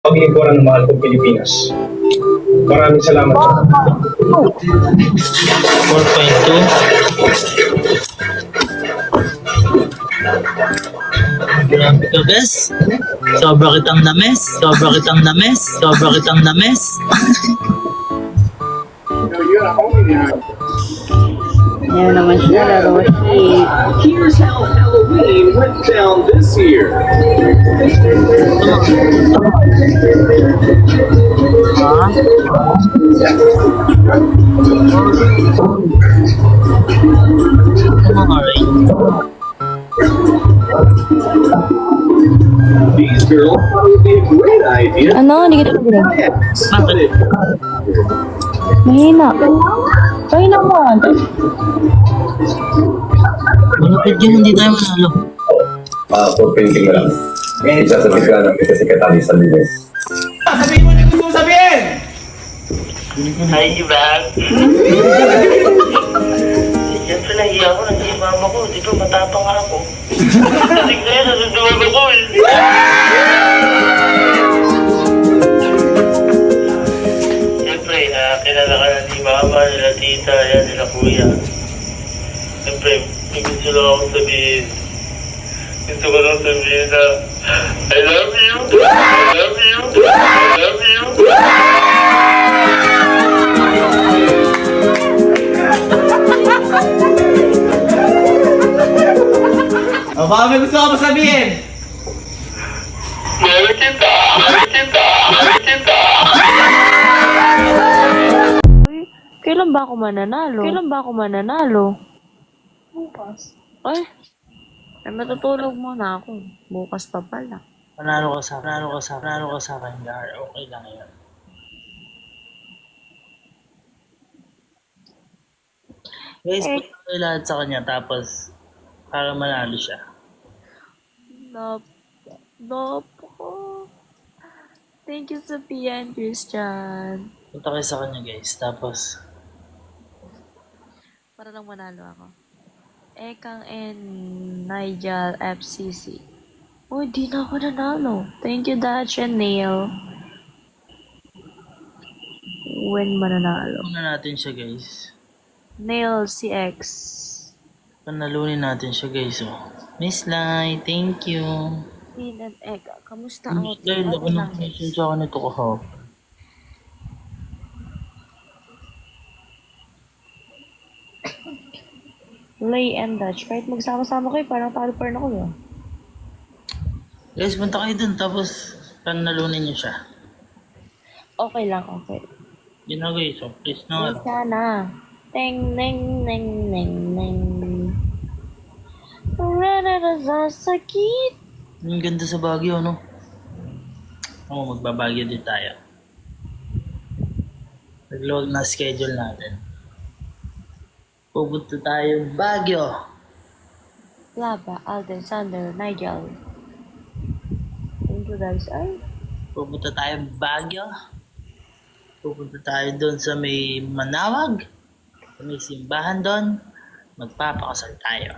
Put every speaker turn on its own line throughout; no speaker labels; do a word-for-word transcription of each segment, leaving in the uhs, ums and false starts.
paglingkuran ng mahal kong Pilipinas. Maraming salamat po.
four point two. Grabe ka, bes. Sobra kitang names. Sobra kitang names. Sobra kitang names.
Yan naman siya, laro siya.
Here's how Halloween went down this year.
Alright.
These girls thought it would be a great idea.
Ano? Hindi kita pagbinig.
Bakit?
Mahina. Mahina mo.
Malapit yun, hindi tayo manalo.
Ah, for painting na lang. Isasabi ka ng kita si Katali sa Lunes.
Sabihin mo na gusto mo sabihin!
Hi, Ivan. Siyempre, nahiya ako. Nandiyan yung mama ko. Di ba, matapang nga ako. Kasi kaya, nasusunod ako eh. Siyempre, uh, kilala ka na ni mama, nila tita, yan, nila kuya. Siyempre, may gusto lang ako sabihin. Gusto ko lang sabihin na, I love you! I love you! I love you!
O baka may gusto ka pa sabihin?
Mahal kita! Mahal kita! Mahal kita!
Kailan ba ako mananalo? Kailan ba ako mananalo? Bukas. Ay, ay matutulog muna ako. Bukas pa pala.
Panalo ka sa, panalo ka sa, panalo ka sa akin, Gar. Okay lang yan. Guys,
Eh.
punta kayo lahat sa kanya, tapos para manalo siya.
Nap. Nap ko. Thank you, Sophia and Christian.
Punta kayo sa kanya, guys, tapos
Para lang manalo ako. Ekang and Nigel F C C. Uy, di na ako nanalo. Thank you, Dutch and Neil. When mananalo?
una natin siya, guys.
Neil C X.
Panalunin natin siya, guys, oh. Miss Lai, thank you.
Tin and Eka, kamusta
Miss
ako?
Lai, laki ng question sa akin ito kahapon.
Lay and Dutch. Kahit magsama-sama kayo, parang talo pa rin ako yun.
Guys, punta kayo dun, tapos panalunin niyo siya.
Okay lang, okay.
Yun na, guys, oh. Please na.
Ay, sana. Teng, neng, neng, neng, neng. Rarara sa sakit.
Ang ganda sa Baguio, no? Oo, magbabagyo din tayo. Nagluwag na schedule natin. Pupunta tayo Baguio.
Lava, Alden, Sander, Nigel. Thank you guys. Ay,
Pupunta tayo Baguio. Pupunta tayo doon sa may Manawag. Sa may simbahan doon. Magpapakasal tayo.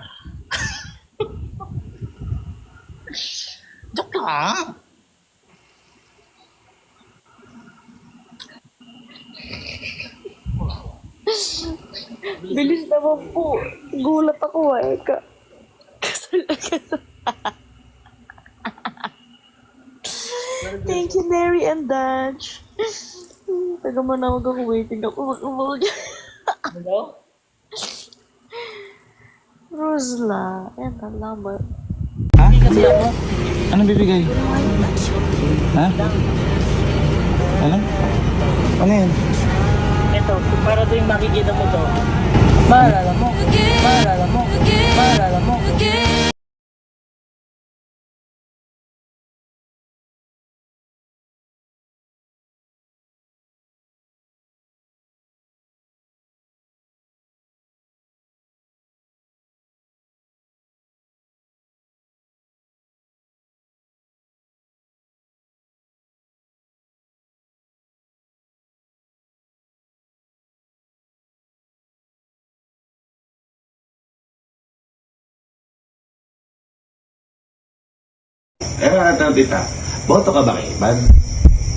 Joke lang.
bilis naman po. Gulat ako ah. Eka. Kasal agad. Thank you, Mary and Dutch. Taga manawag ako. Waiting ako. Mag-umag.
Hello?
Rosla. Yan, talamat.
Ha? Anong bibigay? Ha? Ano? Ano yan?
Ito, para tuwing makikita mo to. Maalala mo. Maalala mo. Maalala mo.
Eh, ano, tita? Boto ka ba kay Ivan?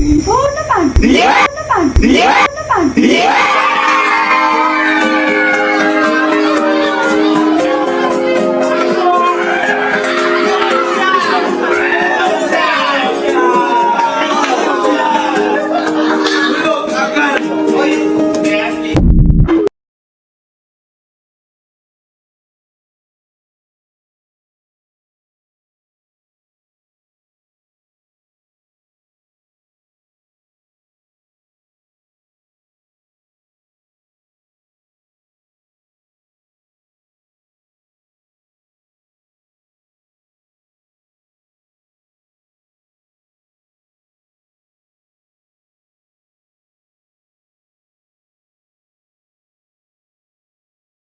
Oo naman. Oo naman. Oo naman.